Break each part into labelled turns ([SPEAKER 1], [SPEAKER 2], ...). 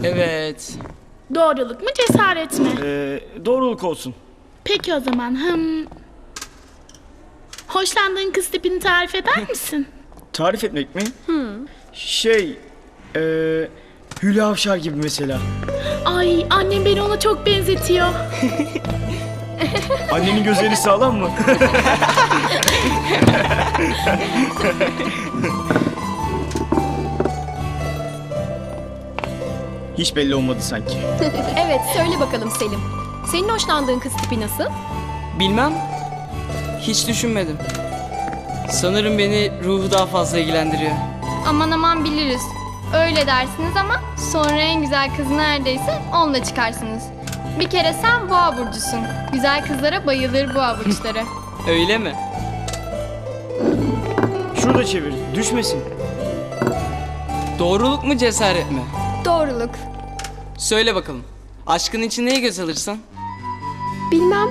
[SPEAKER 1] Evet.
[SPEAKER 2] Doğruluk mu cesaret mi?
[SPEAKER 3] Doğruluk olsun.
[SPEAKER 2] Peki o zaman. Hoşlandığın kız tipini tarif eder misin?
[SPEAKER 3] Tarif etmek mi? Hülya Avşar gibi mesela.
[SPEAKER 2] Ay, annem beni ona çok benzetiyor.
[SPEAKER 3] Annenin gözleri sağlam mı? Hiç belli olmadı sanki.
[SPEAKER 4] Evet, söyle bakalım Selim. Senin hoşlandığın kız tipi nasıl?
[SPEAKER 1] Bilmem. Hiç düşünmedim. Sanırım beni ruhu daha fazla ilgilendiriyor.
[SPEAKER 5] Aman aman biliriz. Öyle dersiniz ama sonra en güzel kız neredeyse onunla çıkarsınız. Bir kere sen boğa burcusun. Güzel kızlara bayılır boğa burçları.
[SPEAKER 1] Öyle mi?
[SPEAKER 3] Şurada çevir, düşmesin.
[SPEAKER 1] Doğruluk mu cesaret mi?
[SPEAKER 5] Doğruluk.
[SPEAKER 1] Söyle bakalım. Aşkın için neye göz alırsın?
[SPEAKER 6] Bilmem.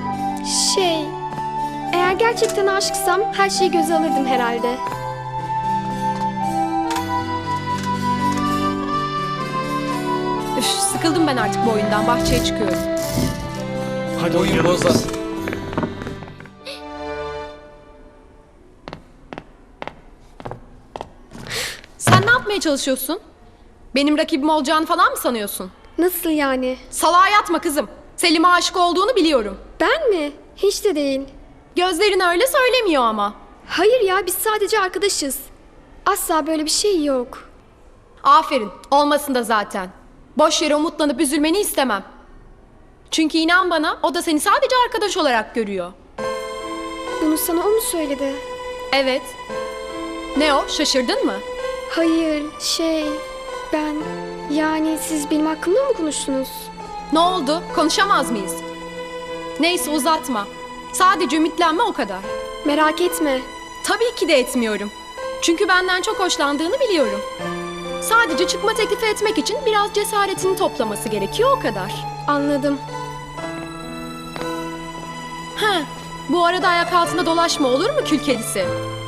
[SPEAKER 6] Eğer gerçekten aşıksam her şeyi göze alırdım herhalde.
[SPEAKER 4] Üf, sıkıldım ben artık bu oyundan. Bahçeye çıkıyorum.
[SPEAKER 3] Hadi
[SPEAKER 1] Oyun
[SPEAKER 3] oynayalım.
[SPEAKER 1] bozar.
[SPEAKER 4] Sen ne yapmaya çalışıyorsun? Benim rakibim olacağını falan mı sanıyorsun?
[SPEAKER 6] Nasıl yani?
[SPEAKER 4] Salağa yatma kızım. Selim'e aşık olduğunu biliyorum.
[SPEAKER 6] Ben mi? Hiç de değil.
[SPEAKER 4] Gözlerin öyle söylemiyor ama.
[SPEAKER 6] Hayır ya, biz sadece arkadaşız. Asla böyle bir şey yok.
[SPEAKER 4] Aferin. Olmasın da zaten. Boş yere umutlanıp üzülmeni istemem. Çünkü inan bana o da seni sadece arkadaş olarak görüyor.
[SPEAKER 6] Bunu sana o mu söyledi?
[SPEAKER 4] Evet. Ne o? Şaşırdın mı?
[SPEAKER 6] Hayır, ben... Yani siz benim hakkımda mı konuştunuz?
[SPEAKER 4] Ne oldu? Konuşamaz mıyız? Neyse uzatma. Sadece ümitlenme o kadar.
[SPEAKER 6] Merak etme.
[SPEAKER 4] Tabii ki de etmiyorum. Çünkü benden çok hoşlandığını biliyorum. Sadece çıkma teklifi etmek için biraz cesaretini toplaması gerekiyor o kadar.
[SPEAKER 6] Anladım.
[SPEAKER 4] Bu arada ayak altında dolaşma olur mu kül kedisi?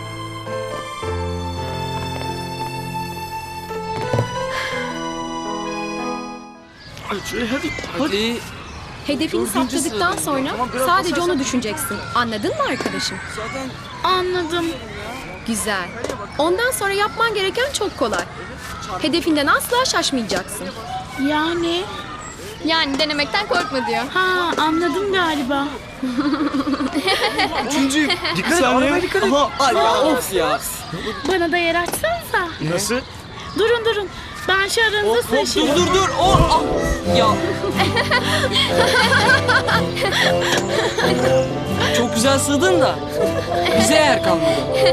[SPEAKER 3] Hadi şöyle hadi.
[SPEAKER 1] Hadi.
[SPEAKER 4] Hedefini saptadıktan sonra sadece onu düşüneceksin. Anladın mı arkadaşım?
[SPEAKER 1] Zaten
[SPEAKER 2] Anladım.
[SPEAKER 4] Güzel. Ondan sonra yapman gereken çok kolay. Hedefinden asla şaşmayacaksın.
[SPEAKER 5] Yani denemekten korkma diyor.
[SPEAKER 2] Anladım galiba.
[SPEAKER 3] Üçüncü. Dikkat et, arabaya dikkat et.
[SPEAKER 1] Aha, ay ya, of ya.
[SPEAKER 2] Bana da yer açsanıza.
[SPEAKER 3] Nasıl?
[SPEAKER 2] Durun. Ben şu aranızda sıçayım.
[SPEAKER 1] Dur. Oh, ah. Ya. Çok güzel sığdın da bize yer kalmadı.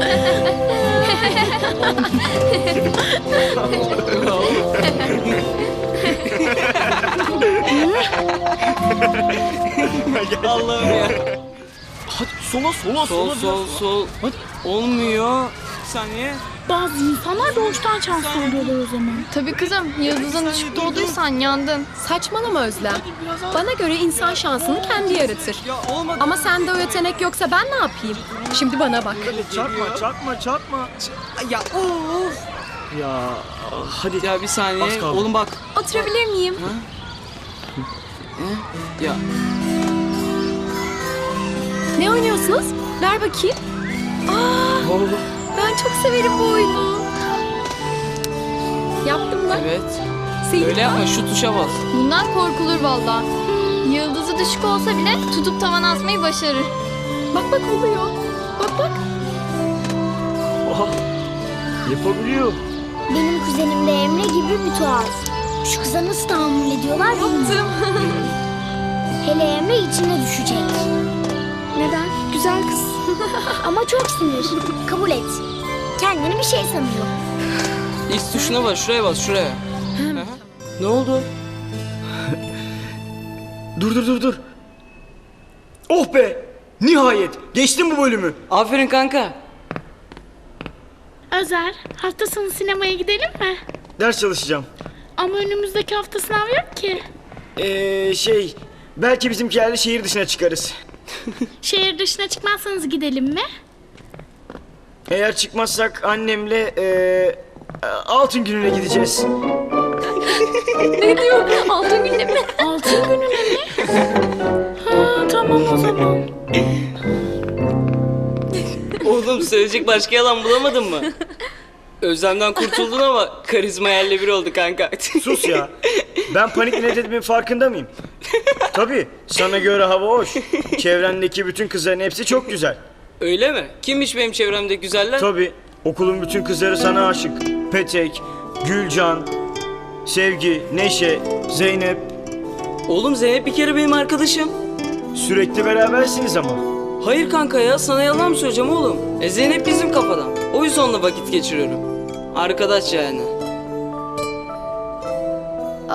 [SPEAKER 1] Allah'ım ya.
[SPEAKER 3] Hadi sola.
[SPEAKER 1] Sol.
[SPEAKER 3] Hadi.
[SPEAKER 1] Olmuyor. Bir saniye.
[SPEAKER 2] Bazı insanlar doğuştan şanslı oluyorlar o zaman.
[SPEAKER 5] Tabii kızım, yıldızın düşük doğduysan yandın.
[SPEAKER 4] Saçmalama Özlem. Bana göre insan şansını kendi yaratır.
[SPEAKER 1] Ya olmadı.
[SPEAKER 4] Ama sende o yetenek yoksa ben ne yapayım? Şimdi bana bak.
[SPEAKER 3] Çarpma.
[SPEAKER 1] Ya of.
[SPEAKER 3] Ya hadi.
[SPEAKER 1] Ya bir saniye.
[SPEAKER 3] Az kaldı.
[SPEAKER 1] Oğlum bak.
[SPEAKER 4] Oturabilir miyim?
[SPEAKER 1] Ya
[SPEAKER 4] Ne oynuyorsunuz? Ver bakayım. Ben çok severim bu oyunu. Yaptım mı?
[SPEAKER 1] evet.
[SPEAKER 4] Selim,
[SPEAKER 1] Öyle yapma, şu tuşa bas.
[SPEAKER 5] Bundan korkulur valla. Yıldızı düşük olsa bile tutup tavana asmayı başarır.
[SPEAKER 4] Bak oluyor. Bak.
[SPEAKER 3] Oha. Yapabiliyor.
[SPEAKER 7] Benim kuzenim de Emre gibi bir tuhaf. Şu kıza nasıl tahammül ediyorlar bilmiyorum. Hele Emre içine düşecek.
[SPEAKER 6] Neden? Güzel kız.
[SPEAKER 7] Ama çok sinir. Kabul et. Kendini bir şey sanıyor.
[SPEAKER 1] X tuşuna bas, şuraya. Aha. Ne oldu?
[SPEAKER 3] Dur. Oh be! Nihayet! Geçtim bu bölümü.
[SPEAKER 1] Aferin kanka.
[SPEAKER 2] Özer, hafta sonu sinemaya gidelim mi?
[SPEAKER 3] Ders çalışacağım.
[SPEAKER 2] Ama önümüzdeki hafta sınav yok ki.
[SPEAKER 3] Belki bizimkilerle şehir dışına çıkarız.
[SPEAKER 2] Şehir dışına çıkmazsanız gidelim mi?
[SPEAKER 3] Eğer çıkmazsak annemle altın gününe gideceğiz.
[SPEAKER 4] Ne diyor? Altın günde mi?
[SPEAKER 2] Altın gününe mi? Ha, tamam o zaman.
[SPEAKER 1] Oğlum söyleyecek başka yalan bulamadın mı? Özlemden kurtuldun ama karizma yerle bir oldu kanka.
[SPEAKER 3] Sus ya. Ben panik ne dediğimin farkında mıyım? Tabii sana göre hava hoş. Çevrendeki bütün kızların hepsi çok güzel.
[SPEAKER 1] Öyle mi? Kimmiş benim çevremdeki güzeller?
[SPEAKER 3] Tabii okulun bütün kızları sana aşık. Petek, Gülcan, Sevgi, Neşe, Zeynep.
[SPEAKER 1] Oğlum Zeynep bir kere benim arkadaşım.
[SPEAKER 3] Sürekli berabersiniz ama.
[SPEAKER 1] Hayır kanka ya, sana yalan mı söyleyeceğim oğlum? Zeynep bizim kafadan. O yüzden onunla vakit geçiriyorum. Arkadaş yani.